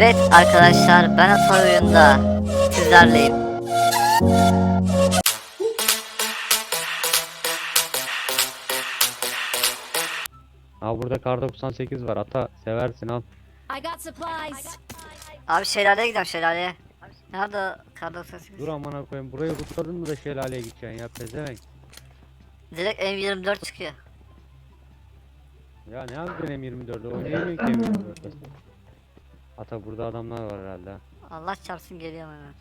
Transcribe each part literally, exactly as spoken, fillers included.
Evet arkadaşlar, ben Atay oyunda sizlerleyim. Aa, burada kar doksan sekiz var. Ata seversin, al. I got supplies. Abi şelaleye gidelim, şelaleye. Nerede kar doksan sekiz? Dur amına koyayım. Burayı kutladın mı da şelaleye gideceksin ya pezevenk. Direkt M yirmi dört çıkıyor. Ya ne yapacaksın M yirmi dört'ü? Oynayamıyor ki M yirmi dört'ü. Ata burada adamlar var herhalde. ha. Allah çarpsın, geliyorum hemen.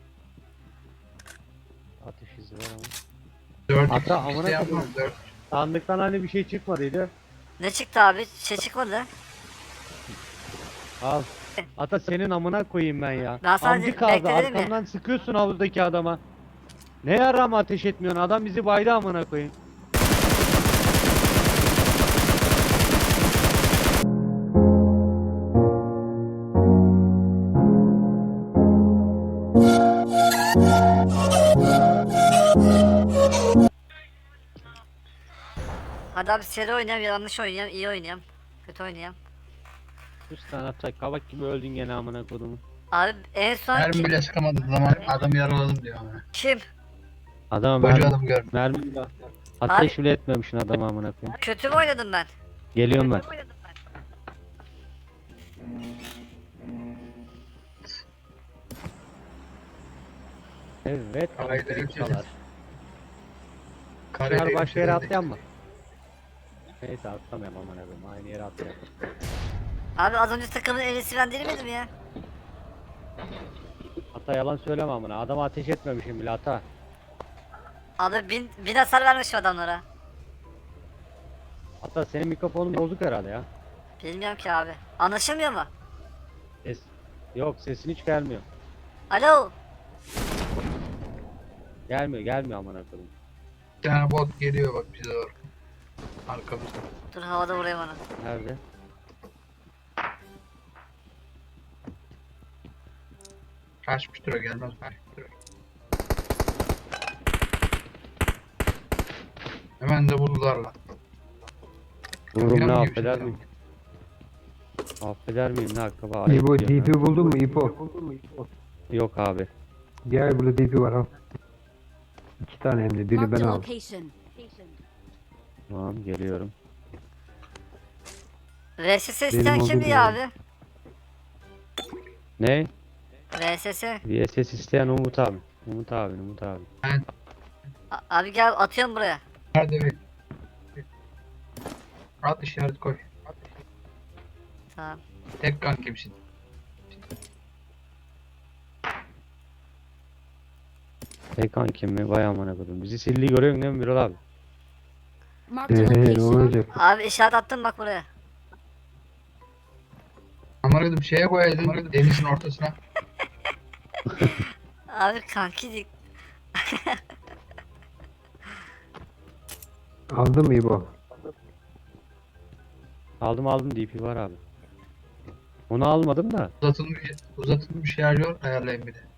Atış izi var ama. dört Ata, x amına işte yapmam, koyayım. dört. Sandıktan hani bir şey çıkmadıydı. Ne çıktı abi? Şey çıkmadı. Al. Ata senin amına koyayım ben ya. Ben sadece Amcık kaldı, bekledim ya. arkamdan sıkıyorsun havuzdaki adama. Ne yarama ateş etmiyorsun? Adam bizi baydı amına koyayım. Hadi abi seri oynayayım, yanlış oynayayım, iyi oynayayım. Kötü oynayayım. Üç tane Ata kabak gibi öldün gene amına koyduğumu. Abi en son Mermi ki- bile sıkamadık zaman adamı yaraladım diyor ama. kim? Adama Koca mermi, adam gördüm. mermi ateş bile etmemişsin adama amına koyayım. Kötü mü oynadım ben? Geliyorum ben. Evet, Haydi, elektrikçalar. Kareli Her başka yere hemşire atlayan mı? Neyse atlamayalım aman abim. Aynı yere atlayalım. Abi az önce takımın en iyisi ben değil miydim ya? Ata yalan söyleme amına. Adama ateş etmemişim bile ata. Abi bin, bin hasar vermişim adamlara. Ata senin mikrofonun bozuk herhalde ya. Bilmiyorum ki abi. Anlaşılmıyor mu? Ses. Yok, sesin hiç gelmiyor. Alo. Gelmiyor gelmiyor amına koyayım. Bir tane bot geliyor bak bize doğru. Arkamızda. Dur havada vurayım onu. Nerede? Kaçmıştır o, gelmez kaçmıştır o. Hemen de vurdular lan. Vururum ne Yapıyor affeder şimdi miyim? Affeder miyim ne hakkı var? İbo Ayıp diyorum D P buldun mu İbo? ya. Yok abi. Gel burada D P var al. İki tane hem de biri Marked ben a aldım. location. Tamam geliyorum. R S S Benim isteyen olduğum kimdi ya yer. abi? Ne? R S S. V S S isteyen Umut abi. Umut abi, Umut abi. Ben A- abi gel, atıyorum buraya. nerede bir? At işaret koy. Tamam. Tek kan kimsin? Ekan kim mi? Vay amına koydum. Bizi sildi görüyorsun değil mi Birol abi? Marked a Eee ne location. olacak? Abi işaret attım bak buraya. Amaradım şeye koyaydın denizin ortasına. Abi kanki dik. Aldın mı İbo? Aldım aldım D P var abi. Onu almadım da. Uzatılmış, uzatılmış şarjör ayarlayın bir de.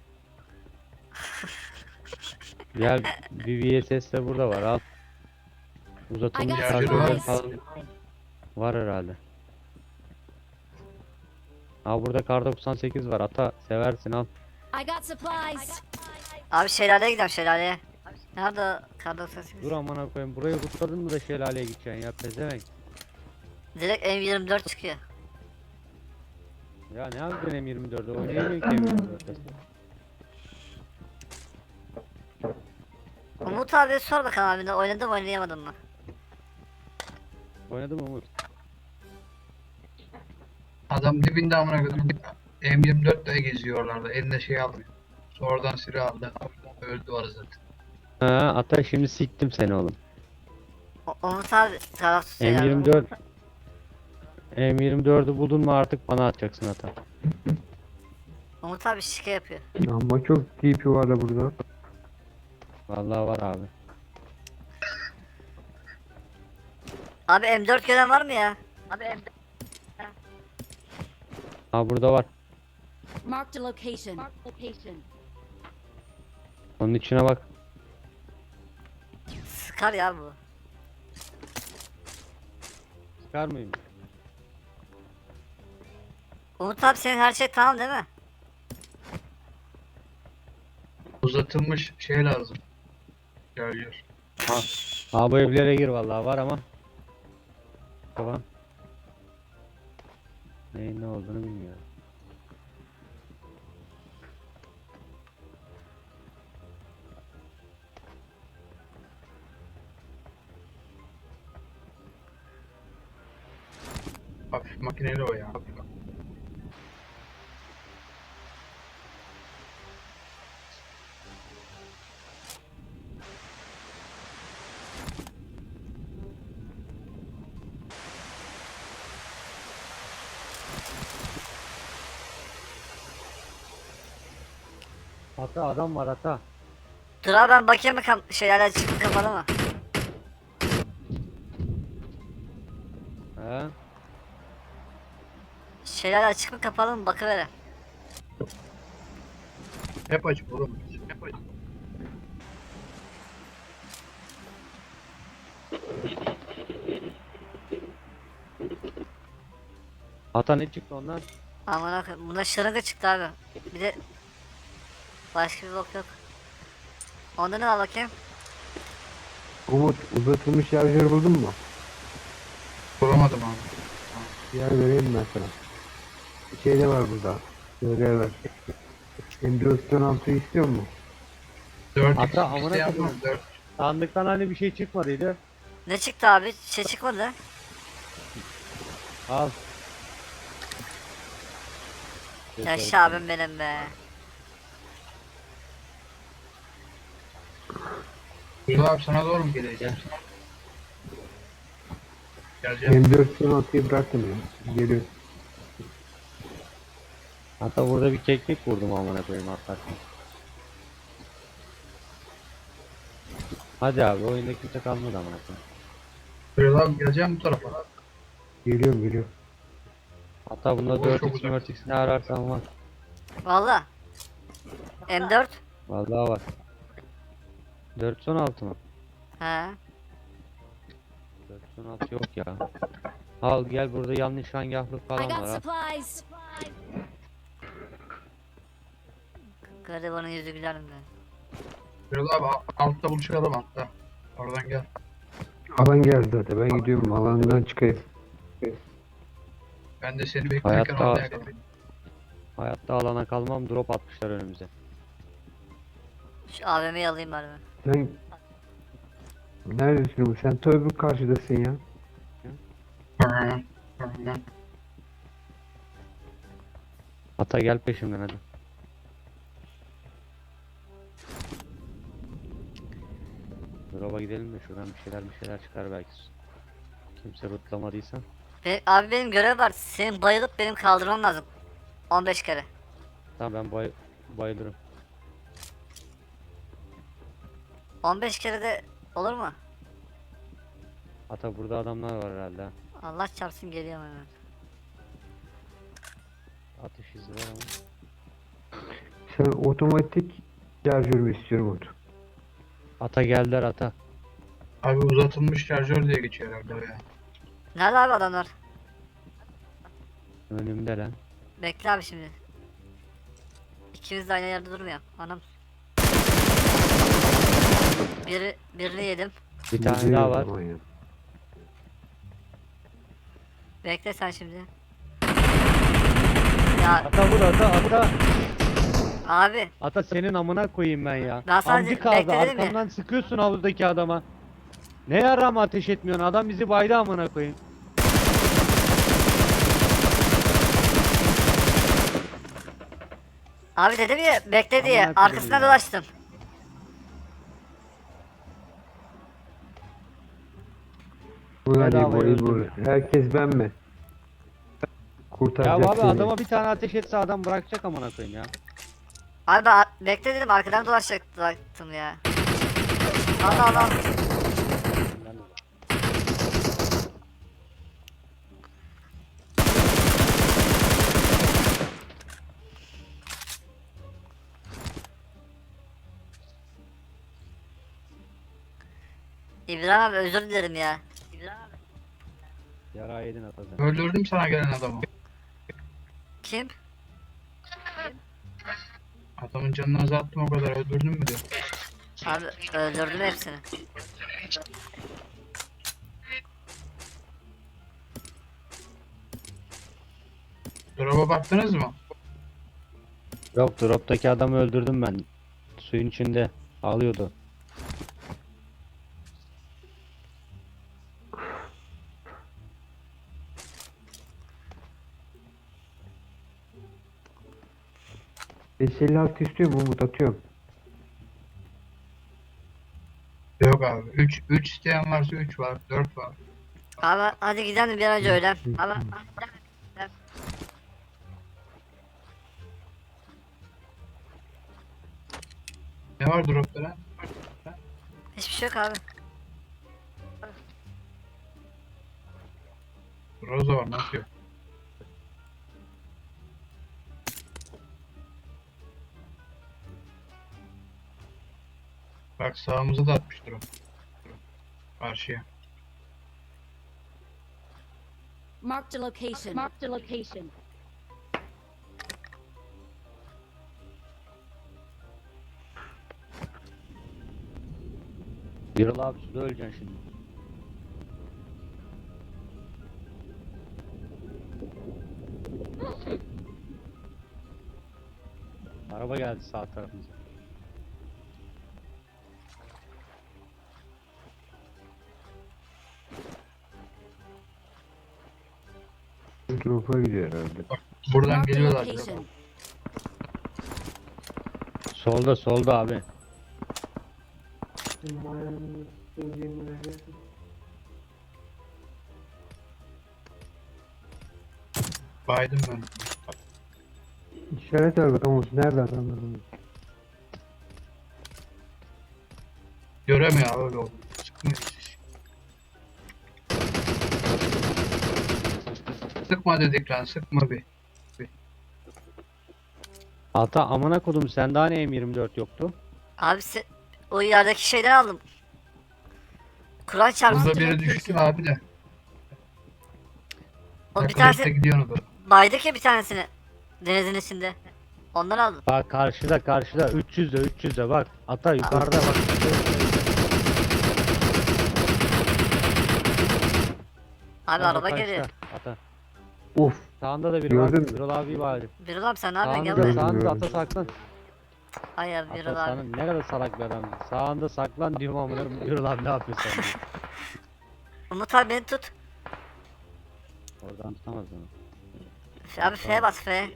Gel bir V S S de burada var al. Uzatılmış I got şarjörler supplies. falan var herhalde. Aa, burada kar doksan sekiz var. Ata seversin, al. I got supplies. Abi şelaleye gidelim, şelaleye. Nerede kar doksan sekiz? Dur amına koyayım. Burayı kutladın mı da şelaleye gideceksin ya pezevenk. Direkt M yirmi dört çıkıyor. Ya ne yapacaksın M yirmi dört'ü? Oynayamıyor ki M yirmi dört'ü. Umut abi sor bakalım abi, oynadım mı oynayamadım mı? Oynadım Umut. Adam dibinde amına koydum. M yirmi dört de geziyor oralarda. Eline şey almıyor. Sonradan silah aldı. Öldü var zaten. Ha, Ata şimdi siktim seni oğlum. O- Umut abi tarafsız M şeyler. yirmi dört M yirmi dört'ü buldun mu artık bana atacaksın Ata. Umut abi şike yapıyor. Ama çok D P var da burada. Vallahi var abi. Abi M dört gören var mı ya? Abi M dört. Ha, burada var. Marked a location. Marked a location. Onun içine bak. Sıkar ya bu. Çıkar mıyım? Umut abi senin her şey tamam değil mi? Uzatılmış şey lazım. Şarjör. Ha, ha bu evlere gir vallahi var ama. Tamam. Neyin ne olduğunu bilmiyorum. Hafif makineli o ya. Ata adam var ata. Dur abi ben bakayım mı kam şeyler açık mı kapalı mı? He? Şeyler açık mı kapalı mı bakıvere. Hep açık oğlum. Hep açık. Ata ne çıktı ondan? Aman koyayım. Bunda şırınga çıktı abi. Bir de başka bir bok yok. Onda ne var bakayım? Umut uzatılmış şarjör buldun mu? Bulamadım abi. Yer vereyim ben sana. Bir şey de var burada. Şöyle ver. M dört on altı istiyor mu? dört Hatta amına isteyen var koyayım. mı? dört. Sandıktan hani bir şey çıkmadıydı. Ne çıktı abi? Şey çıkmadı. Al. Yaşa abim benim be. Dur abi sana doğru mu geleceğim? Geleceğim. M dört on altıyı bıraktım ya. Geliyor. Hatta burada bir keklik vurdum amına koyayım hakikaten. Hadi abi oyunda kimse kalmadı amına koyayım. Dur abi geleceğim bu tarafa. Geliyorum geliyorum. Hatta bunda Oğlum, dört çok x uzak. dört x ne ararsan var. Valla. M dört. Vallahi var. dört on altı mı? He. dört on altı yok ya. Al gel burada yanlış hangahlık I falan got var ha. supplies. Garibanın yüzü güler mi? Dur abi al- altta buluşalım altta. Oradan gel. Alan geldi zaten. Ben gidiyorum. Alandan çıkayım. Ben de seni beklerken Hayatta- orada yakalayayım. Hayatta alana kalmam drop atmışlar önümüze. Şu A V M'yi alayım bari ben. Sen neredesin Umut? Sen ta öbür karşıdasın ya. Hı, hı, hı. Ata gel peşimden hadi. Drop'a gidelim de şuradan bir şeyler bir şeyler çıkar belki. Kimse rutlamadıysa. Be abi benim görev var. Senin bayılıp benim kaldırmam lazım. on beş kere. Tamam ben bay bayılırım. on beş kere de olur mu? Ata burada adamlar var herhalde. ha. Allah çarpsın geliyorum hemen. Atış izi var ama. Sen otomatik şarjör mü istiyorsun Umut? Ata geldiler ata. Abi uzatılmış şarjör diye geçiyor herhalde o ya. Nerede abi adamlar? Önümde lan. Bekle abi şimdi. İkimiz de aynı yerde durmuyor. Anam. Biri, birini yedim. Bir tane Gidiyor daha o var. zaman ya. Bekle sen şimdi. Ya Ata vur ata ata. abi Ata senin amına koyayım ben ya. Ben sadece Amcık kaldı bekledim ya. arkamdan sıkıyorsun havuzdaki adama. Ne yarama ateş etmiyorsun adam bizi baydı amına koyayım. abi dedim ya bekle diye Aman akıllı arkasına ya. dolaştım. Bu hadi Bedavaya bu iyi bu. öldüm Herkes ben mi? Ya Kurtaracak abi seni. adama bir tane ateş etse adam bırakacak amına koyayım ya. Abi ben ar- bekle dedim arkadan dolaşacaktım ya. Allah Allah. İbrahim abi özür dilerim ya. İbrahim abi. Yara yedin ata sen. Öldürdüm sana gelen adamı. Kim? Adamın canını azalttım o kadar öldürdün mü diyor. Abi öldürdüm hepsini. Drop'a baktınız mı? Yok, droptaki adamı öldürdüm ben. Suyun içinde ağlıyordu. beş elli altı istiyor mu Umut, atıyorum. Yok abi. üç üç isteyen varsa üç var. dört var. Abi hadi gidelim bir an önce öyle. Abi Ne var drop'ta lan? hiçbir şey yok abi. Roza var nasıl yok? Bak sağımıza da atmıştır o. Karşıya. Marked a location. Marked a location. Birol abi suda öleceksin şimdi. Araba geldi sağ tarafımıza. Drop'a gidiyor herhalde. Buradan Marked a geliyorlar. location. Solda solda abi. Baydım ben. İşaret ver bakalım Umut, nerede adamlar? Göremiyor abi öyle oldu. Sıkmıyor. Sıkma dedik lan sıkma bir. Ata amına kodum, sende hani M yirmi dört yoktu? Abi se- o yerdeki şeyden aldım. Kur'an çarpsın. Burada biri düştü abi de. O bir Arkadaş da tanesi gidiyor onu da. baydık ya bir tanesini. Denizin içinde. Ondan aldım. Bak karşıda karşıda üç yüzde üç yüzde bak. Ata yukarıda bak. Abi Ata araba karşıda, geliyor. Ata. Of. Sağında da biri Gördün var. mü? Birol abi var. Birol abi sen ne yapıyorsun? Gel Sağında buraya. sağında Gördüm, ata saklan. Ay abi Birol Ata abi. sana ne kadar salak bir adam. Sağında saklan diyorum amına koyayım. Birol abi ne yapıyorsun sen? diyor. Umut abi beni tut. Oradan tutamaz onu. F- Abi F'ye bas F.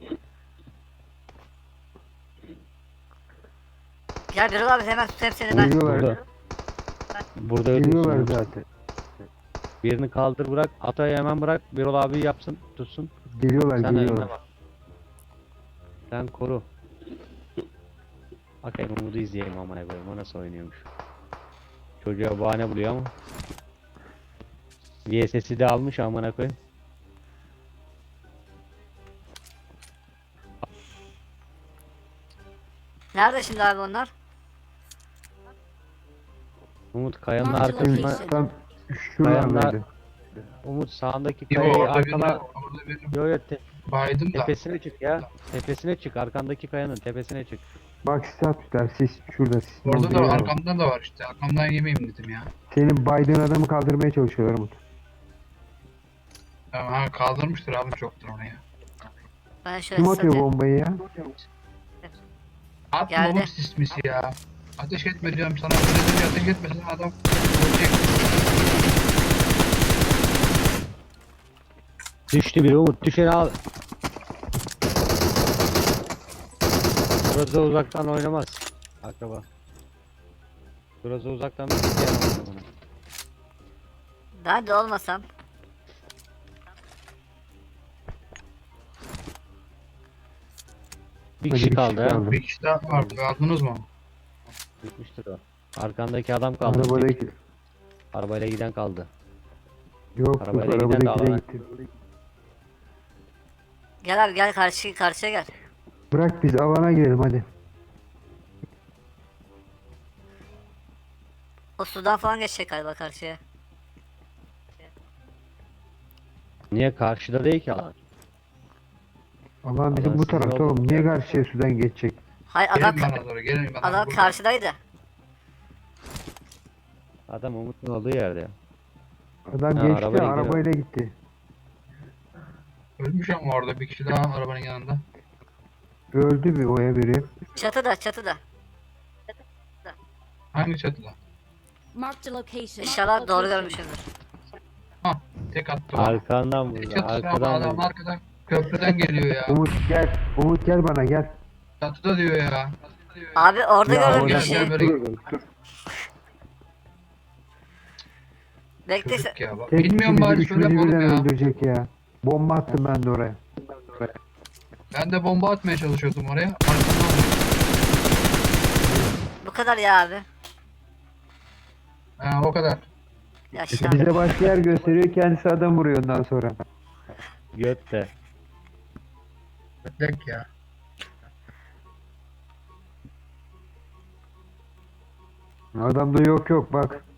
Gel Birol abi hemen tutayım seni ben. Geliyorlar. Burada. Burada Geliyorlar öldürsün. zaten. Birini kaldır bırak. Atayı hemen bırak. Birol abi yapsın. Tutsun. Geliyorlar Sen önüne geliyorlar. bak. Sen koru. Bakayım Umut'u izleyeyim amına koyayım. O nasıl oynuyormuş. Çocuğa bahane buluyor ama. V S S'i de almış amına koyayım. Nerede şimdi abi onlar? Umut kayanın Marked arkasına. location. Tam şuralardaydı. Kayanlar- Umut sağındaki Yo kayayı orada birini, arkana. orada birini Yo yo te- baydım da. tepesine çık ya. Tepesine çık. Arkandaki kayanın tepesine çık. Bak sis atmışlar, sis şurada, sis. Orada olduğu da var, yer var. arkamda da var işte. Arkamdan yemeyeyim dedim ya. Senin baydığın adamı kaldırmaya çalışıyorlar Umut. Tamam ha kaldırmıştır abi çoktur onu ya. Ben şöyle Kim atıyor satayım. bombayı ya? Atma Geldi. oğlum sismisi ya. Ateş etme diyorum sana. Biraz önce ateş etmesin adam ölecek. Düştü biri Umut. Düşeni al. Burası uzaktan oynamaz. Akraba. Burası uzaktan bir şey yaramaz bana. Ben de olmasam. Bir Hadi kişi bir kaldı kişi ha. kaldı. Bir kişi daha var. Aldınız mı? Bitmiştir o. Arkandaki adam kaldı. Arabadaki. Arabayla giden kaldı. Yok yok, Arabayla giden de arabadaki de alana. gitti. Gel abi gel karşı karşıya gel. Bırak biz alana girelim hadi. O sudan falan geçecek galiba karşıya. Niye karşıda değil ki alan? Alan bizim Alan bu sizin tarafta oldu. oğlum. Niye karşıya sudan geçecek? Hayır adam, Gelin bana doğru gelin bana. adam Burada. karşıdaydı. Adam Umut'un olduğu yerde ya. Adam Ha, geçti arabayla gidiyor. arabayla gitti. Ölmüş ama orada bir kişi daha arabanın yanında. Öldü bir oya biri. Çatıda çatıda. Hangi çatıda? Marked a location. İnşallah doğru Location. görmüşümdür. Ha tek attı bana. Arkandan Ne vurdu. çatısı ama Arkadan adam vurdu. arkadan köprüden geliyor ya. Umut gel. Umut gel bana gel. Çatıda diyor ya. Abi orada Ya gördüm orada bir gel, şey. gel böyle. dur, dur. Bekle. Çocuk ya bak. Tek Bilmiyorum ikimizi, bari üçümüzü söyle oğlum birden ya. öldürecek ya. Bomba attım ben de oraya. Ben de bomba atmaya çalışıyordum oraya. Arkamdan vurdu. Bu kadar ya abi. Ha o kadar. Yaşa. Bize başka yer gösteriyor, kendisi adam vuruyor ondan sonra. Götte. Beklek ya. Adamda yok yok bak.